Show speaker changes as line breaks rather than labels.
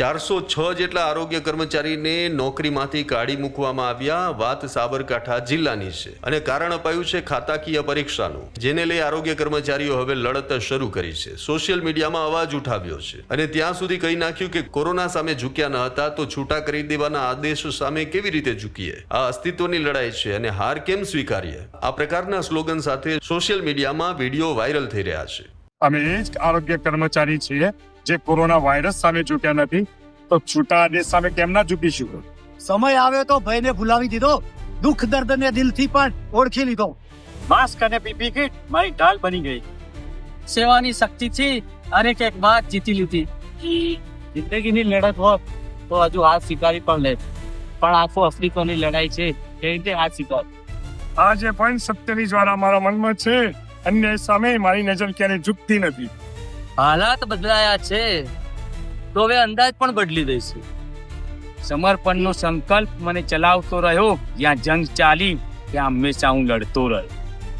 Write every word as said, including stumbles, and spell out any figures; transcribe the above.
ચારસો છ જેટલા આરોગ્ય કર્મચારીને નોકરીમાંથી કાઢી મૂકવામાં આવ્યા. વાત સાબરકાંઠા જિલ્લાની છે અને કારણ અપાયું છે ખાતાકીય પરીક્ષાનું, જેને લઈ આરોગ્ય કર્મચારીઓ હવે લડત શરૂ કરી છે. સોશિયલ મીડિયામાં અવાજ ઉઠાવ્યો છે અને ત્યાં સુધી કહી નાખ્યું કે કોરોના સામે ઝૂક્યા ન હતા તો છૂટા કરી દેવાના આદેશ સામે કેવી રીતે ઝૂકીએ? આ અસ્તિત્વની લડાઈ છે અને હાર કેમ સ્વીકારીએ? આ પ્રકારના સ્લોગન સાથે સોશિયલ મીડિયામાં વિડીયો વાયરલ થઈ રહ્યા છે.
અમે એ જ આરોગ્ય કર્મચારી છીએ જે કોરોના વાયરસ સામે ઝૂક્યા નથી, તો છૂટા આદેશ સામે કેમ ના ઝૂકીશું?
સમય આવ્યો તો ભયને ભૂલાવી દીધો, દુઃખ દર્દને દિલથી પણ ઓળખી લીધો.
માસ્ક અને પીપી કિટ મારી ઢાલ બની ગઈ. સેવાની શક્તિથી અનેક એક વાત જીતી લીધી. જિંદગીની લડત હોત તો હજુ હાથ સ્વીકારી પણ લે, પણ આખો અફ્રિકાની લડાઈ છે એ રીતે હાથ સ્વીકાર.
આજે પણ સત્યની જ્વાળા મારા મનમાં છે. અન્યાય સામે મારી નજર ક્યારેય ઝૂકતી નથી.
હાલાત બદલાયા છે તો હવે અંદાજ પણ બદલી દઈશું. સમર્પણનો સંકલ્પ મને ચલાવતો રહ્યો. જ્યાં જંગ ચાલી ત્યાં હંમેશા હું લડતો રહ્યો.